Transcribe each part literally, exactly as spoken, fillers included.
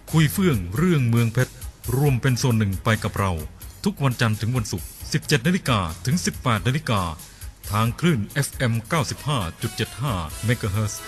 คุยเฟื่องเรื่องเมืองเพชรรวมเป็นส่วนหนึ่งไปกับเราทุกวันจันทร์ถึงวันศุกร์ สิบเจ็ดนาฬิกา ถึง สิบแปดนาฬิกา ทางคลื่น เอฟ เอ็ม เก้าสิบห้าจุดเจ็ดห้า เมกะเฮิรตซ์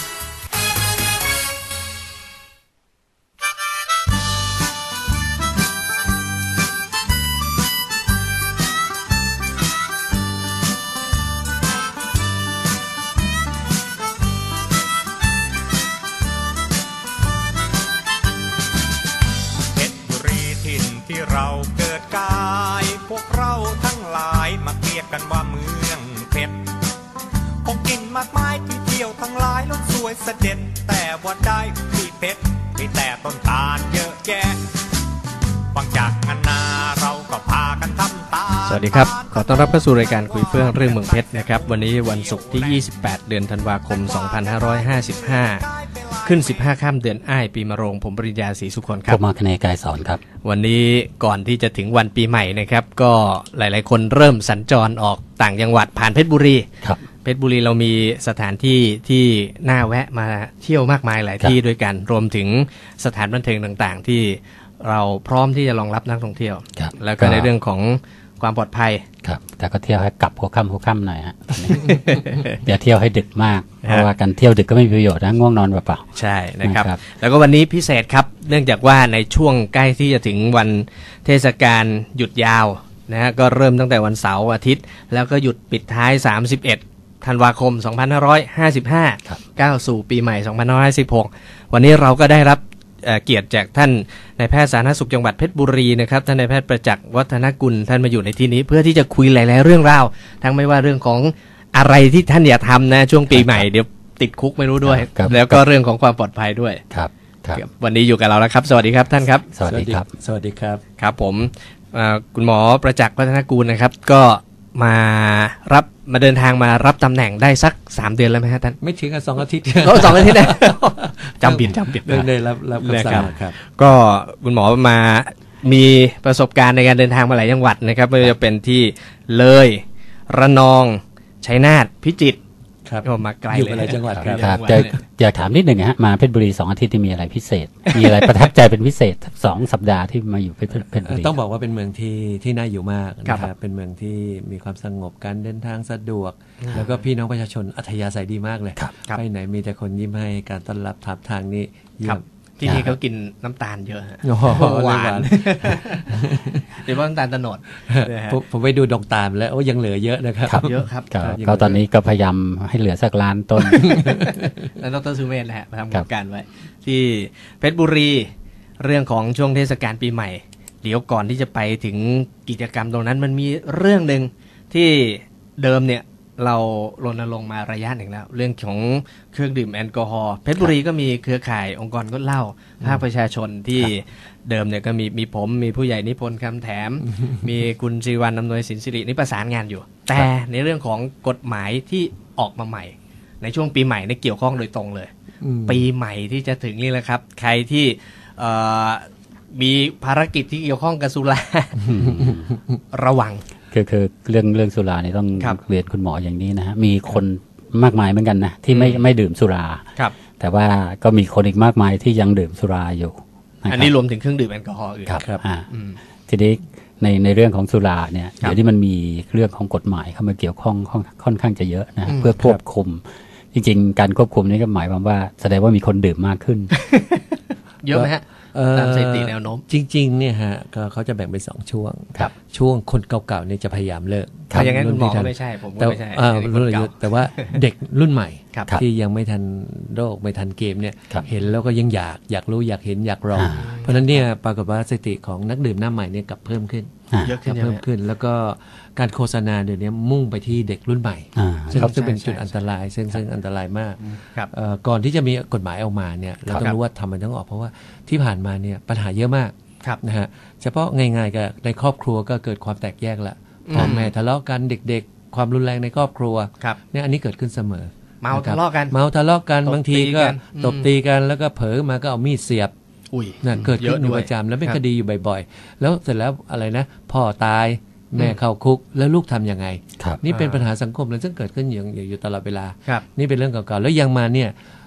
เราเกิดกายพวกเราทั้งหลายมาเรียกกันว่าเมืองเพชรของกินมากมายที่เที่ยวทั้งหลายล้นสวยเสด็จแต่ว่าได้ที่เพชรมีแต่ต้นตาลเยอะแยะฟังจากงานนาเราก็พากันทำตาสวัสดีครับขอต้อนรับเข้าสู่รายการคุยเฟื่องเรื่องเมืองเพชรนะครับวันนี้วันศุกร์ที่ยี่สิบแปดเดือนธันวาคมสองพันห้าร้อยห้าสิบห้าขึ้นสิบห้าค่ำเดือนอ้ายปีมะโรงผมปริญญาศรีสุขนครับผมมาคเนกายสอนครับวันนี้ก่อนที่จะถึงวันปีใหม่นะครับก็หลายๆคนเริ่มสัญจรออกต่างจังหวัดผ่านเพชรบุรีครับเพชรบุรีเรามีสถานที่ที่น่าแวะมาเที่ยวมากมายหลายที่ด้วยกันรวมถึงสถานบันเทิงต่างๆที่เราพร้อมที่จะรองรับนักท่องเที่ยวแล้วก็ในเรื่องของความปลอดภัยครับแต่ก็เที่ยวให้กลับหัวค่ำหัวค่ำหน่อยฮะ อย่าเที่ยวให้ดึกมากเพราะว่าการเที่ยวดึกก็ไม่มีประโยชน์นะง่วงนอนเปล่าๆใช่นะครับแล้วก็วันนี้พิเศษครับเนื่องจากว่าในช่วงใกล้ที่จะถึงวันเทศกาลหยุดยาวนะฮะก็เริ่มตั้งแต่วันเสาร์อาทิตย์แล้วก็หยุดปิดท้ายสามสิบเอ็ดธันวาคมสองพันห้าร้อยห้าสิบห้าก้าวสู่ปีใหม่สองพันห้าร้อยห้าสิบหกวันนี้เราก็ได้รับเกียรติจากท่านนายแพทย์สาธารณสุขจังหวัดเพชรบุรีนะครับท่านนายแพทย์ประจักษ์วัฒนกุลท่านมาอยู่ในที่นี้เพื่อที่จะคุยหลายๆเรื่องราวทั้งไม่ว่าเรื่องของอะไรที่ท่านอย่าทำนะช่วงปีใหม่เดี๋ยวติดคุกไม่รู้ด้วยแล้วก็เรื่องของความปลอดภัยด้วยครับวันนี้อยู่กับเราแล้วครับสวัสดีครับท่านครับสวัสดีครับสวัสดีครับครับผมคุณหมอประจักษ์วัฒนกุลนะครับก็มารับมาเดินทางมารับตำแหน่งได้สักสามเดือนแล้วไหมฮะท่านไม่ถึงกับสองอาทิตย์ก็สองอาทิตย์นะจำผิดจำผิดได้รับรับคำสั่งครับก็คุณหมอมามีประสบการณ์ในการเดินทางมาหลายจังหวัดนะครับไม่ว่าจะเป็นที่เลยระนองชัยนาทพิจิตรก็มาไกลเลยหลายจังหวัดครับอยากถามนิดหนึ่งฮะมาเพชรบุรีสองอาทิตย์ที่มีอะไรพิเศษมีอะไรประทับใจเป็นพิเศษสองสัปดาห์ที่มาอยู่เพชรบุรีต้องบอกว่าเป็นเมืองที่ที่น่าอยู่มากนะครับเป็นเมืองที่มีความสงบการเดินทางสะดวกแล้วก็พี่น้องประชาชนอัธยาศัยดีมากเลยไปไหนมีแต่คนยิ้มให้การต้อนรับทับทางนี้เยี่ยมที่นี่เขากินน้ำตาลเยอะหวานเดี๋ยวว่าน้ำตาลตะโนดผมไปดูดอกตาลแล้วโอ้ยังเหลือเยอะนะครับเยอะครับก็ตอนนี้ก็พยายามให้เหลือสักล้านต้นแล้วดร.สุเมธแหละมาทำโครงการไว้ที่เพชรบุรีเรื่องของช่วงเทศกาลปีใหม่เดี๋ยวก่อนที่จะไปถึงกิจกรรมตรงนั้นมันมีเรื่องหนึ่งที่เดิมเนี่ยเรารณรงค์มาระยะหนึ่งแล้วเรื่องของเครื่องดื่มแอลกอฮอล์เพชรบุรีก็มีเครือข่ายองค์กรงดเหล้าภาคประชาชนที่เดิมเนี่ยก็มีมีผมมีผู้ใหญ่นิพนธ์คำแถมมีคุณศิริวัลย์อำนวยสินสิรินี่ประสานงานอยู่แต่ในเรื่องของกฎหมายที่ออกมาใหม่ในช่วงปีใหม่เนี่ยเกี่ยวข้องโดยตรงเลยปีใหม่ที่จะถึงนี่แหละครับใครที่มีภารกิจที่เกี่ยวข้องกับสุราระวังคือคือเรื่องเรื่องสุราเนี่ยต้องเรียนคุณหมออย่างนี้นะฮะมีคนมากมายเหมือนกันนะที่ไม่ไม่ดื่มสุราแต่ว่าก็มีคนอีกมากมายที่ยังดื่มสุราอยู่อันนี้รวมถึงเครื่องดื่มแอลกอฮอล์อื่นครับทีนี้ในในเรื่องของสุราเนี่ยเดี๋ยวนี้มันมีเรื่องของกฎหมายเข้ามาเกี่ยวข้องค่อนข้างจะเยอะนะเพื่อควบคุมจริงๆการควบคุมนี่ก็หมายความว่าแสดงว่ามีคนดื่มมากขึ้นเยอะไหมฮะตามสถิติแนวโน้มจริงๆเนี่ยฮะก็เขาจะแบ่งเป็นสองช่วงช่วงคนเก่าๆเนี่ยจะพยายามเลิกอย่างนั้นคุณหมอไม่ใช่ผมก็ไม่ใช่แต่ว่าเด็กรุ่นใหม่ที่ยังไม่ทันโลกไม่ทันเกมเนี่ยเห็นแล้วก็ยังอยากอยากรู้อยากเห็นอยากลองเพราะฉะนั้นเนี่ยปรากฏว่าสถิติของนักดื่มหน้าใหม่เนี่ยกลับเพิ่มขึ้นเยอะขึ้นเพิ่มขึ้นแล้วก็การโฆษณาเดี๋ยวนี้มุ่งไปที่เด็กรุ่นใหม่ซึ่งซึ่งเป็นจุดอันตรายซึ่งซึ่งอันตรายมากก่อนที่จะมีกฎหมายออกมาเนี่ยเราต้องรู้ว่าทำมันต้องออกเพราะว่าที่ผ่านมาเนี่ยปัญหาเยอะมากนะฮะเฉพาะง่ายๆกับในครอบครัวก็เกิดความแตกแยกละพ่อแม่ทะเลาะกันเด็กๆความรุนแรงในครอบครัวเนี่ยอันนี้เกิดขึ้นเสมอเมาทะเลาะกันเมาทะเลาะกันบางทีก็ตบตีกันแล้วก็เผลอมาก็เอามีดเสียบนะเกิดขึ้นอยู่ประจำแล้วเป็นคดีอยู่บ่อยๆแล้วเสร็จแล้วอะไรนะพ่อตายแม่เข้าคุกแล้วลูกทํำยังไงนี่เป็นปัญหาสังคมเลยซึ่งเกิดขึ้นอย่างอยู่ตลอดเวลานี่เป็นเรื่องเก่าๆแล้วยังมาเนี่ย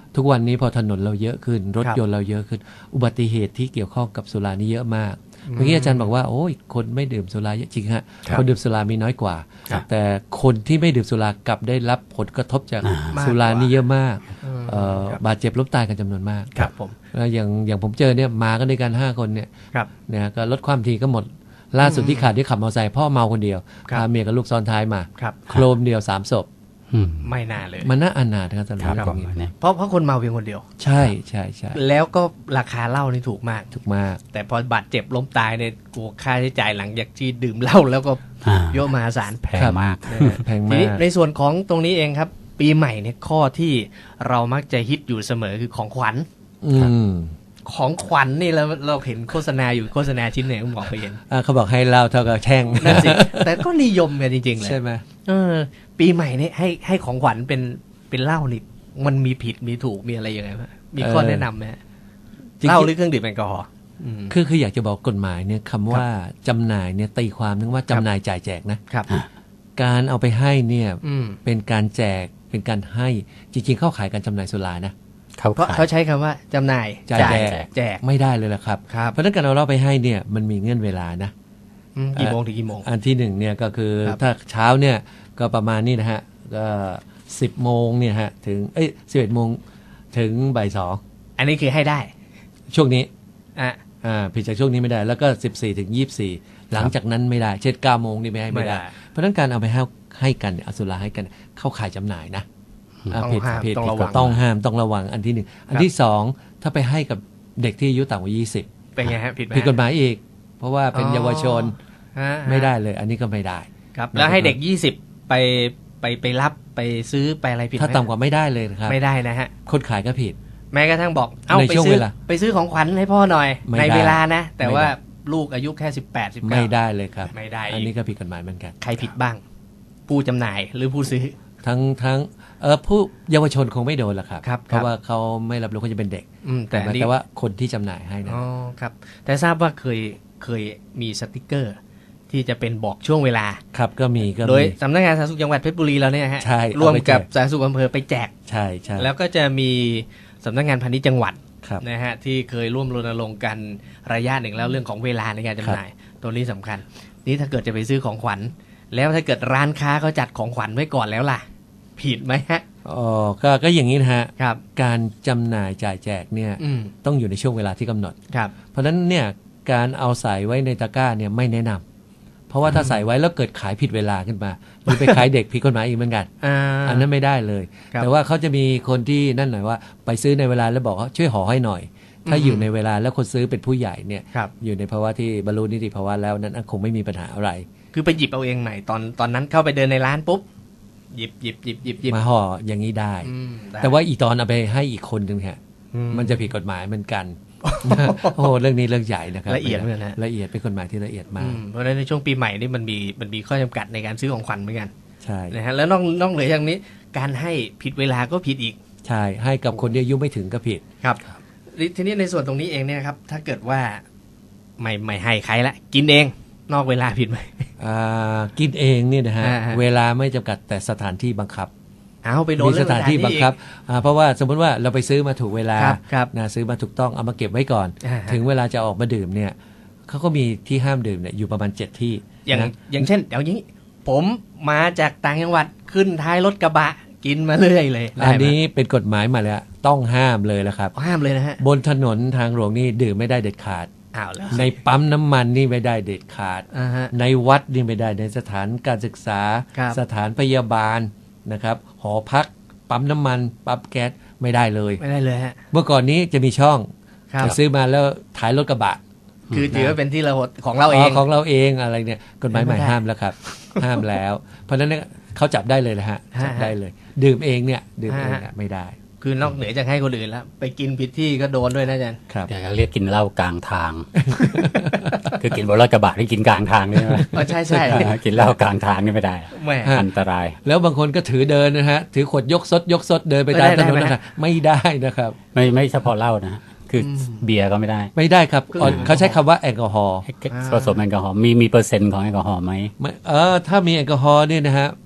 ทุกวันนี้พอถนนเราเยอะขึ้นรถครับยนต์เราเยอะขึ้น อุบัติเหตุที่เกี่ยวข้องกับสุรานี่เยอะมากเมื่อกี้อาจารย์บอกว่าโอ้ยคนไม่ดื่มสุราเยอะจริงฮะครับคนดื่มสุรามีน้อยกว่าครับแต่คนที่ไม่ดื่มสุรากลับได้รับผลกระทบจากอ่าสุรานี่เยอะมากอืมเอ่อครับบาดเจ็บล้มตายกันจำนวนมากครับผมแล้วอย่างอย่างผมเจอเนี่ยมากันด้วยกันห้าคนเนี่ยครับนะฮะก็ลดความทีก็หมด ล่าสุดที่ขาดที่ขับมอเตอร์ไซค์พ่อเมาคนเดียวครับพาเมียกับลูกซ้อนท้ายมาครับโครมเดียวสามศพอืมไม่น่าเลยมันน่าอนาถนะครับตอนครับนี้ผมเนี่ยเพราะเพราะคนเมาเพียงคนเดียวใช่ใช่ใช่แล้วก็ราคาเหล้านี่ถูกมากถูกมากแต่พอบาดเจ็บล้มตายเนี่ยกลัวค่าใช้จ่ายหลังจากที่ดื่มเหล้าแล้วก็อ่าเยอะมหาศาลแพงมากแพงทีมานี้กในส่วนของตรงนี้เองครับ ปีใหม่เนี่ยข้อที่เรามักจะฮิตอยู่เสมอคือของขวัญอืมของขวัญนี่เราเราเห็นโฆษณาอยู่โฆษณาชิ้นหนึ่งผมบอกไปเห็นอ่ะเขาบอกให้เหล้าเท่ากับแช่งนั่นสิ แต่ก็นิยมกันจริงๆเลยใช่ไหมเออ ปีใหม่เนี่ยให้ให้ของขวัญเป็นเป็นเหล้านี่มันมีผิดมีถูกมีอะไรยังไงบ้างมีข้อแนะนำไหมฮะจริงๆเหล้าหรือเครื่องดื่มแอลกอฮอล์อืมคือคืออยากจะบอกกฎหมายเนี่ยคำว่าจำหน่ายเนี่ยตีความนึกว่าจำหน่ายจ่ายแจกนะครับ การเอาไปให้เนี่ยอืมเป็นการแจกเป็นการให้จริงๆเข้าขายการจำหน่ายสุรานะเขาเพราะขายเขาใช้คำว่าจำหน่ายจ่ายแจกแจกไม่ได้เลยละครับครับเพราะฉะนั้นการเอาเราไปให้เนี่ยมันมีเงื่อนเวลานะอืมกี่โมงถึงกี่โมงอันที่หนึ่งเนี่ยก็คือครับถ้าเช้าเนี่ยก็ประมาณนี้นะฮะก็สิบโมงเนี่ยฮะถึงเอ้ยสิบเอ็ดโมงถึงบ่ายสองอันนี้คือให้ได้ช่วงนี้อ่ะอ่าผิดจากช่วงนี้ไม่ได้ แล้วก็สิบสี่ถึงยี่สิบสี่หลังจากนั้นไม่ได้ เช่นเก้าโมงนี่ไม่ให้ไม่ได้ไม่ได้เพราะฉะนั้นการเอาไปให้ให้กันเนี่ยเอาสุราให้กันเข้าขายจำหน่ายนะอ่าต้องผิดห้ามผิดต้องระวังต้องห้ามต้องระวังอันที่หนึ่งอันที่สองถ้าไปให้กับเด็กที่อายุต่ำกว่ายี่สิบเป็นไงฮะผิดไหมผิดกฎหมายอีก เพราะว่าเป็นอ๋อเยาวชนฮะไม่ได้เลย อันนี้ก็ไม่ได้ครับ แล้วให้เด็กยี่สิบไปไปไปรับไปซื้อไปอะไรผิดไหมถ้าต่ำกว่าไม่ได้เลยนะครับไม่ได้นะฮะคนขายก็ผิดแม้กระทั่งบอก เอ้าในไปช่วงซื้อเวลาไปซื้อของขวัญให้พ่อหน่อยไม่ในได้เวลานะ แต่ไม่ว่าได้ลูกอายุแค่สิบแปดสิบเก้าไม่ได้เลยครับไม่ได้อีกอันนี้ก็ผิดกฎหมายเหมือนกันใครผิดบ้าง ผู้จำหน่ายหรือผู้ซื้อทั้งทั้งเออผู้เยาวชนคงไม่โดนหรอกครับครับเพราะว่าเขาไม่รับรู้เขาจะเป็นเด็กอืมแต่แต่อันนี้แต่ว่าคนที่จำหน่ายให้นะอ๋อครับ แต่ทราบว่าเคยเคยมีสติกเกอร์ ที่จะเป็นบอกช่วงเวลาครับก็มีก็โดยมีสำนักงานสาธารณสุขจังหวัดเพชรบุรีเราเนี่ยฮะใช่ร่วมเอาไปแจกกับสาธารณสุขอำเภอไปแจกใช่ใช่แล้วก็จะมีสำนักงานพาณิชย์จังหวัดครับนะฮะที่เคยร่วมรณรงค์กันระยะหนึ่งแล้วเรื่องของเวลาในการจำหน่าย ตัวนี้สำคัญ นี่ถ้าเกิดจะไปซื้อของขวัญ แล้วถ้าเกิดร้านค้าเขาจัดของขวัญไว้ก่อนแล้วล่ะ ผิดไหมฮะอ๋อก็ก็อย่างนี้นะฮะครับการจำหน่ายจ่ายแจกเนี่ยอืมต้องอยู่ในช่วงเวลาที่กำหนดครับเพราะฉะนั้นเนี่ยการเอาใส่ไว้ในตะกร้าเนี่ยไม่แนะนำเพราะว่าถ้าใส่ไว้แล้วเกิดขายผิดเวลาขึ้นมา หรือไปขายเด็กผิดกฎหมายอีกเหมือนกันอ่าอันนั้นไม่ได้เลยครับแต่ว่าเขาจะมีคนที่นั่นหน่อยว่า ไปซื้อในเวลาแล้วบอกว่าช่วยห่อให้หน่อย ถ้าอืมอยู่ในเวลาแล้วคนซื้อเป็นผู้ใหญ่เนี่ยครับอยู่ในภาวะที่บรรลุนิติภาวะแล้วนั้นคงไม่มีปัญหาอะไรคือไปหยิบเอาเองใหม่ตอนตอนนั้นเข้าไปเดินในร้านปุ๊บหยิบหยิบหยิบหยิบหยิบมาห่ออย่างนี้ได้อืมได้แต่ว่าอีตอนเอาไปให้อีกคนหนึ่งฮะอืมันจะผิดกฎหมายเหมือนกัน โอ้โหเรื่องนี้เรื่องใหญ่นะครับละเอียดเหมือนกันนะละเอียดเป็นกฎหมายที่ละเอียดอืมากมเพราะฉะนั้นในช่วงปีใหม่นี่มันมีมันมีข้อจำกัดในการซื้อของขวัญเหมือนกันใช่นะฮะแล้วนอกนอกเหนือจากนี้ การให้ผิดเวลาก็ผิดอีกใช่ให้กับคนที่อายุไม่ถึงก็ผิดครับทีนี้ในส่วนตรงนี้เองเนี่ยครับ ถ้าเกิดว่าไม่ไม่ให้ใครละกินเอง นอกเวลาผิดไหมอ่ากินเองเนี่ยนะฮะอ่าฮะเวลาไม่จำกัดแต่สถานที่บังคับเอาไปโดนมีสถานที่บังคับอ่าเพราะว่าสมมติว่าเราไปซื้อมาถูกเวลาครับครับนะซื้อมาถูกต้องเอามาเก็บไว้ก่อนอ่าฮะถึงเวลาจะออกมาดื่มเนี่ยเขาก็มีที่ห้ามดื่มเนี่ยอยู่ประมาณเจ็ดที่อย่างนะอย่างเช่นเดี๋ยวนี้ ผมมาจากต่างจังหวัดขึ้นท้ายรถกระบะกินมาเรื่อยเลยได้อันไหมนี้เป็นกฎหมายมาแล้วต้องห้ามเลยแล้วครับห้ามเลยนะฮะบนถนนทางหลวงนี่ดื่มไม่ได้เด็ดขาดอ้าวแล้วในปั๊มน้ำมันนี่ไม่ได้เด็ดขาดอ่าฮะในวัดนี่ไม่ได้ในสถานการศึกษาครับสถานพยาบาลนะครับหอพักปั๊มน้ำมันปั๊มแก๊สไม่ได้เลยไม่ได้เลยฮะเมื่อก่อนนี้จะมีช่องครับจะซื้อมาแล้วถ่ายรถกระบะคือถือว่าเป็นที่เราของเราเองของเราเองอะไรเนี่ยกฎหมายใหม่ไม่ได้ห้ามแล้วครับ ห้ามแล้ว เพราะฉะนั้นเนี่ยเขาจับได้เลยนะฮะฮะจับได้เลย ดื่มเองเนี่ยดื่มเองฮะเนี่ยไม่ได้คือนอกเหนือจากให้คนอื่นแล้ว ไปกินผิดที่ก็โดนด้วยนะอาจารย์ครับอยากจะเรียกกินเหล้ากลางทาง คือกินบนรถกระบะที่กินกลางทางนี่ใช่ไหมอ๋อใช่ใช่กินเหล้ากลางทางนี่ไม่ได้แหม่ฮะอันตรายแล้วบางคนก็ถือเดินนะฮะถือขวดยกซดยกซดเดินไปตามไม่ถได้นนได้ไหมนะไม่ได้นะครับไม่ไม่เฉพาะเหล้านะฮะคืออเบียร์ก็ไม่ได้ไม่ได้ครับคืออ๋อเขาใช้คำว่าแอลกอฮอล์ผสมแอลกอฮอล์มีมีเปอร์เซ็นต์ของแอลกอฮอล์ไหมไม่เออถ้ามีแอลกอฮอล์เนี่ยนะฮะ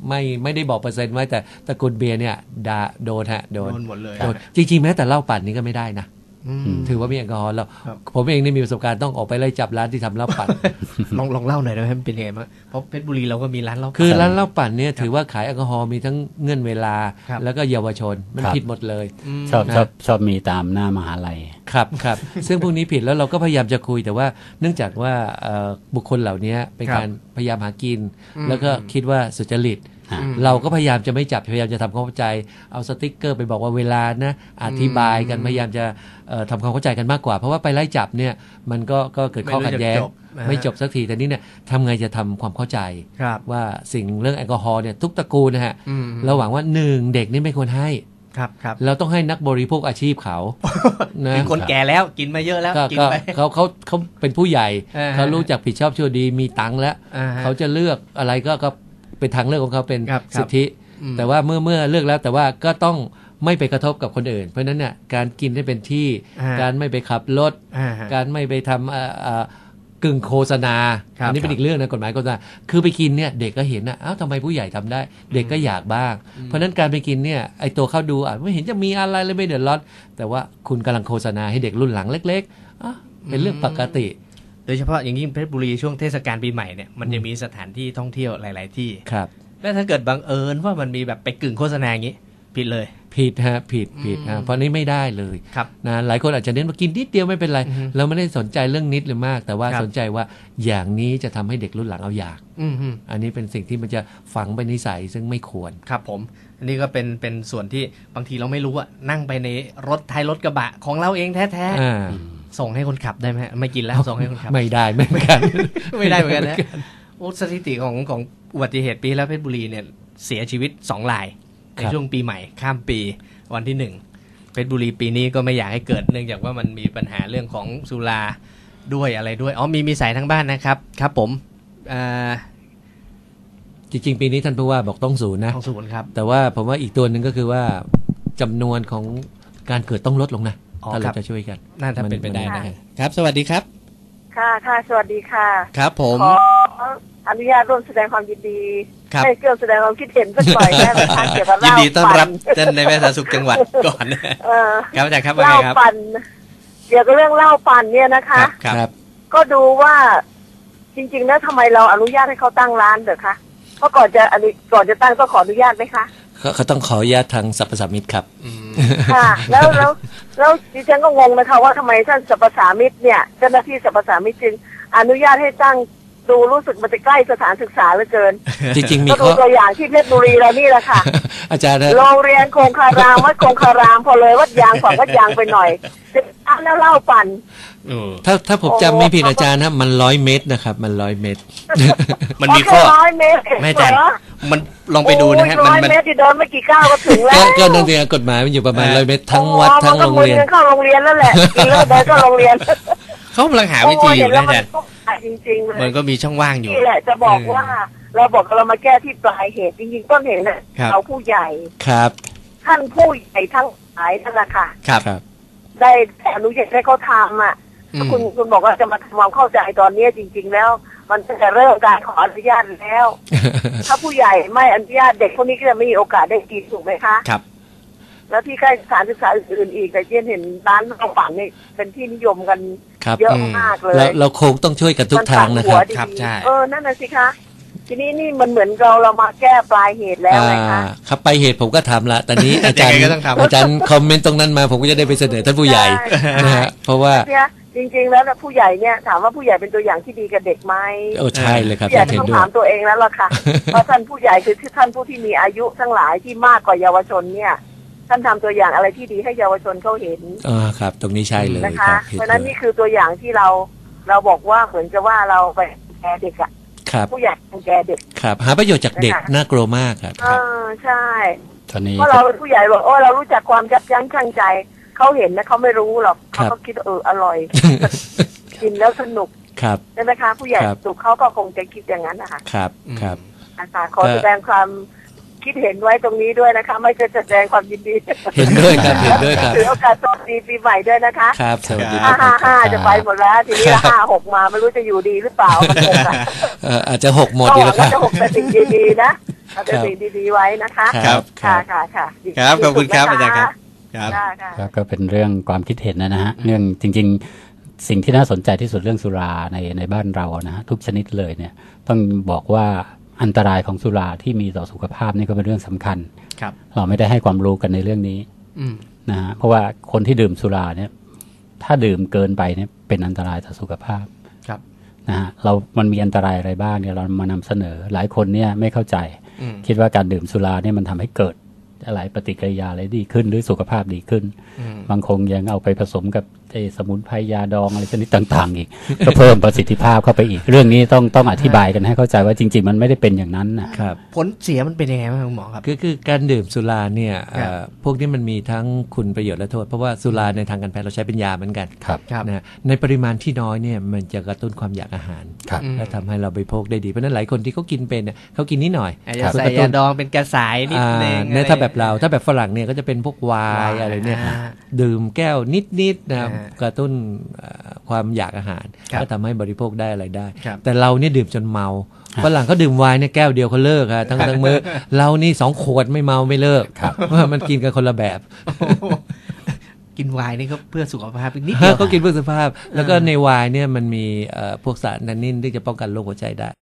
ไม่ไม่ได้บอกเปอร์เซ็นต์ไว้แต่ตระกูลเบียร์เนี่ยด่าโดนฮะโดนโดนหมดเลยโดนจริงๆแม้แต่เหล้าปั่นนี่ก็ไม่ได้นะอืมถือว่ามีแอลกอฮอล์แล้วครับผมเองนี่มีประสบการณ์ต้องออกไปไล่จับร้านที่ทำเหล้าปั่นลองลองเล่าหน่อยได้ไหมมันเป็นยังไงบ้างเพราะเพชรบุรีเราก็มีร้านเหล้าคือร้านเหล้าปั่นเนี่ยถือว่าขายแอลกอฮอล์มีทั้งเงื่อนเวลาครับแล้วก็เยาวชนมันครับผิดหมดเลยมชอบนะชอบชอบมีตามหน้ามหาลัยครับครับ ซึ่งพวกนี้ผิดแล้วเราก็พยายามจะคุยแต่ว่าเนื่องจากว่าเอ่อบุคคลเหล่านี้เป็นครับการพยายามหากินอืมแล้วก็คิดว่าสุจริตอ่าอืมเราก็พยายามจะไม่จับพยายามจะทำความเข้าใจเอาสติ๊กเกอร์ไปบอกว่าเวลานะอธิบายกันอืมพยายามจะเอ่อทำความเข้าใจกันมากกว่าเพราะว่าไปไล่จับเนี่ยมันก็ก็เกิดข้อขัดแย้งไม่รู้จะจบนะฮะไม่จบสักทีแต่นี่เนี่ยทำไงจะทำความเข้าใจครับว่าสิ่งเรื่องแอลกอฮอล์เนี่ยทุกตระกูลนะฮะอืมเราหวังว่าหนึ่งเด็กนี่ไม่ควรให้ครับครับเราต้องให้นักบริโภคอาชีพเขานะเป็นคนแก่แล้วกินมาเยอะแล้วก็กินก็ไปเขาเขาเขาเป็นผู้ใหญ่อ่าฮะเขารู้จักผิดชอบชั่วดีมีตังค์แล้วอ่าฮะเขาจะเลือกอะไรก็ก็เป็นทางเลือกของเขาเป็นครับครับสิทธิอืมแต่ว่าเมื่อเมื่อเลือกแล้วแต่ว่าก็ต้องไม่ไปกระทบกับคนอื่น เพราะฉะนั้นเนี่ยการกินให้เป็นที่อ่าการไม่ไปขับรถอ่าฮะการไม่ไปทำเอ่อเอ่อกึ่งโฆษณาครับอันี้เป็นอีกเรื่องนะกฎหมายโฆษณาคือไปกินเนี่ยเด็กก็เห็นนะอ้าวทำไมผู้ใหญ่ทำได้ เด็กก็อยากบ้าง เพราะฉะนั้นการไปกินเนี่ยไอตัวเข้าดูอ่ะไม่เห็นจะมีอะไรเลยไม่เดือดร้อนแต่ว่าคุณกำลังโฆษณาให้เด็กรุ่นหลังเล็กๆอ่ะเป็นเรื่องปกติโดยเฉพาะอย่างยิ่งเพชรบุรีช่วงเทศกาลปีใหม่เนี่ยมันจะมีสถานที่ท่องเที่ยวหลาย ๆ ที่ครับแล้วถ้าเกิดบังเอิญว่ามันมีแบบไปกึ่งโฆษณาอย่างนี้ผิดเลยผิดฮะผิดผิดอืฮะมเพราะนี้ไม่ได้เลยครับนะหลายคนอาจจะเน้นว่ากินนิดเดียวไม่เป็นไรอือฮึเราไม่ได้สนใจเรื่องนิดหรือมาก แต่ว่าครับสนใจว่าอย่างนี้จะทำให้เด็กรุ่นหลังเอาอยากอืมฮึ อัอันนี้เป็นสิ่งที่มันจะฝังไปนิสัยซึ่งไม่ควรครับผม อันนี้ก็เป็นเป็นส่วนที่บางทีเราไม่รู้อะนั่งไปในรถท้ายรถกระบะของเราเองแท้อ่าๆส่งให้คนขับได้ไหมไม่กินแล้วส่งให้คนขับไม่ได้ไม่เหมือนกันไม่ได้เหมือนกันนะโอ้สถิติของของอุบัติเหตุปีแล้วเพชรบุรีเนี่ยเสียชีวิตสองรายในครับช่วงปีใหม่ข้ามปีวันที่หนึ่งเพชรบุรีปีนี้ก็ไม่อยากให้เกิดเนื่องจากว่ามันมีปัญหาเรื่องของสุราด้วยอะไรด้วยอ๋อมีมีสายทางบ้านนะครับครับผมอ่าจริงๆ ปีนี้ท่านผู้ว่าบอกต้องศูนย์นะของศูนย์ครับแต่ว่าผมว่าอีกตัวหนึ่งก็คือว่าจำนวนของการเกิดต้องลดลงนะอ๋อถ้าครัเราบจะช่วยกันน่าจะเป็นไปได้มันะ ครับ สวัสดีครับค่ะค่ะสวัสดีค่ะครับผมขออนุญาตร่วมแสดงความยินดีครับให้เกี่ยวแสดงความคิดเห็นสักหน่อยได้ไหมคะเกี่ยวกับเหยินล้าดีต้อนรับปั่ท่านในายแพทย์สาธารณสุขจังหวัดก่อนเออครับอาจารย์ครับว่าเหไงล้าครับปั่นเกี่ยวกับเรื่องเหล้าปั่นเนี่ยนะคะครับก็ดูว่าจริงๆแล้วทำไมเราอนุญาตให้เขาตั้งร้านเหรอคะเพราะก่อนจะอนุก่อนจะตั้งก็ขออนุญาตไหมคะเขาเขาต้องขออนุญาตทางสรรพสามิตครับอืมค่ะ แล้วแล้วแล้วดิฉันก็งงนะคะว่าทำไมท่านสรรพสามิตเนี่ยเจ้าหน้าที่สรรพสามิตจึงอนุญาตให้ตั้งดูรู้สึกมันจะใกล้สถานศึกษาเหลือเกินจริงๆ มีก็ดูข้อตัวอย่างที่เพชรบุรีเรานี่แหละค่ะอาจารย์นะโรงเรียนคงคารามวัดคงคารามพอเลยวัดยางฝั่งวัดยางไปหน่อยจะอ่ะแล้วเล่าปั่นเออถ้าถ้าผมโอ้จำไม่ผิดอาจารย์นะมันร้อยเมตรนะครับมันร้อยเมตรมันมีข้อแค่ร้อยเมตรเองแม่อาจารย์เหรอมันลองไปดูนะฮะโอ้ยมันร้อยมันเมตรที่เดินไม่กี่ก้าวก็ถึงแล้ก็วก็นั่นเองกฎหมายมันอยู่ประมาณเออร้อยเมตรทั้งวัดอ๋อทั้งโรงเรียนมันก็หมุนเงินเข้าโรงเรียนแล้วแหละกินแล้วเดินเข้าโรงเรียนเขากำลังหาวิธีอยู่โอ้นะเห็อาแล้จาว รย์มันก็ขายจริงๆเลยมันก็มีช่องว่างอยู่นี่แหละจะบอกว่า เราบอกเรามาแก้ที่ปลายเหตุจริงๆต้นเหตุน่ะครับเราผู้ใหญ่ครับท่านผู้ใหญ่ทั้งหลายนั่นแหละค่ะครับครับได้อนุญาตให้เขาทำอ่ะอืมคุณคุณบอกว่าจะมาทำความเข้าใจตอนนี้จริง ๆ แล้ว มันตั้งแต่เริ่มการขออนุญาตแล้ว ถ้าผู้ใหญ่ไม่อนุญาตเด็กพวกนี้ก็จะไม่มีโอกาสได้กินถูกไหมคะครับแล้วที่ใกล้สถานศึกษาอื่นๆอีกแต่เช่นเห็นร้านข้าวปั่นนี่เป็นที่นิยมกันครับเยอะอืมมากเลเรายเราคงต้องช่วยกันทุกทางนะครับมัตัดหัวดีครับใช่เออนั่นน่ะสิคะทีนี้นี่มันเหมือนเราเรามาแก้ปลายเหตุแล้วไงคะอ่าครับไปเหตุผมก็ทำละตอนนี้ อาจารย์ยังไงก็ต้องทำอาจารย์คอมเมนต์ตรงนั้นมาผมก็จะได้ไปเสนอท่านผู้ใหญ่ใช่นะฮะเพราะว่าเนี่ยจริง ๆ แล้วนะผู้ใหญ่เนี่ยถามว่าผู้ใหญ่เป็นตัวอย่างที่ดีกับเด็กไหมโอ้ใช่เลยครับผู้ใหญ่เห็นต้องด้วยถามตัวเองแล้วล่ะค่ะ เพราะท่านผู้ใหญ่คือท่านผู้ที่มีอายุทั้งหลายที่มากกว่าเยาวชนเนี่ย ท่านทำตัวอย่างอะไรที่ดีให้เยาวชนเขาเห็นอ่าครับ ตรงนี้ใช่เลยนะครัคะบเห็นเพราะฉะนั้นด้วยนี่คือตัวอย่างที่เราเราบอกว่าเหมือนจะว่าเราไปแกเด็กอะครับผู้ใหญ่รังแกเด็กครับหาประโยชน์จากเด็กนะคะน่ากลัวมากครับเออใช่ตอนนี้เพราะเราเป็นผู้ใหญ่บอกโอ้เรารู้จักความยับยั้งชั่งใจเขาเห็นนะเขาไม่รู้หรอกเขาก็คิดว่าเอออร่อย กินแล้วสนุกครับใช่ไหมคะผู้ใหญ่ครับสุขเขาก็คงจะคิดอย่างนั้นนะคะครับครับอาจารย์ขอแสดงความคิดเห็นไว้ตรงนี้ด้วยนะคะ ไม่ใช่แสดงความยินดีเห็นด้วยครับเห็นด้วยครับถือโอกาสสวัสดีปีใหม่ด้วยนะคะครับสวัสดีคห้ารับห้าห้าจะไปหมดแล้วทีนี้ห้าหกมาไม่รู้จะอยู่ดีหรือเปล่ามันคงอะเอ่ออาจจะหกหมดก็ดีหวัแล้งวคว่ารับจะหกแต่สิ่งดีๆนะเอาแต่สิ่งดีๆไว้นะคะครับค่ะค่ะค่ะครับขอบคุณครับอาจารย์ครับครับค่ะค่ะครับก็เป็นเรื่องความคิดเห็นนะฮะเรื่องจริงๆสิ่งที่น่าสนใจที่สุดเรื่องสุราในในบ้านเรานะฮะทุกชนิดเลยเนี่ยต้องบอกว่าอันตรายของสุราที่มีต่อสุขภาพนี่ก็เป็นเรื่องสำคัญครับเราไม่ได้ให้ความรู้กันในเรื่องนี้อืมนะฮะเพราะว่าคนที่ดื่มสุราเนี่ยถ้าดื่มเกินไปเนี่ยเป็นอันตรายต่อสุขภาพครับนะฮะเรามันมีอันตรายอะไรบ้างเนี่ยเรามานำเสนอหลายคนเนี่ยไม่เข้าใจอืมคิดว่าการดื่มสุราเนี่ยมันทำให้เกิดอะไรปฏิกิริยาอะไรดีขึ้นหรือสุขภาพดีขึ้นอืมบางคงยังเอาไปผสมกับไอ้สมุนไพรยาดองอะไรชนิดต่างๆอีก ก็เพิ่มประสิทธิภาพเข้าไปอีก เรื่องนี้ต้องต้องอธิบายกันให้เข้าใจว่าจริงๆมันไม่ได้เป็นอย่างนั้นนะครับผลเสียมันเป็นยังไงบ้างคุณหมอครับคือคือการดื่มสุราเนี่ยครับเอ่อพวกนี้มันมีทั้งคุณประโยชน์และโทษ เพราะว่าสุราในทางการแพทย์เราใช้เป็นยาเหมือนกันครับครับนะในปริมาณที่น้อยเนี่ยมันจะกระตุ้นความอยากอาหารครับอืมและทำให้เราบริโภคได้ดีเพราะฉะนั้นหลายคนที่เขากินเป็นเนี่ยเขากินนิดหน่อยอาจจะใส่ยาดองเป็นกระสายนิดนึงอ่าเนี่ยถ้าแบบเราถ้าแบบฝรั่งเนี่ยก็จะเป็นพวกไวน์อะไรเนี่ยอ่าดื่มแก้วนิดๆนะครับอ่ากระตุ้นเอ่อความอยากอาหารครับก็ทำให้บริโภคได้อะไรได้ครับแต่เราเนี่ยดื่มจนเมาฝรั่งเขาดื่มไวน์เนี่ยแก้วเดียวเขาเลิกฮะทั้งทั้งมื้อเรานี่สองขวดไม่เมาไม่เลิกครับเพราะว่ามันกินกันคนละแบบกินไวน์นี่ก็เพื่อสุขภาพอีกนิดเดียวเขากินเพื่อสุขภาพ แล้วก็ในไวน์เนี่ยมันมีเอ่อพวกสารแทนนินที่จะป้องกันโรคหัวใจได้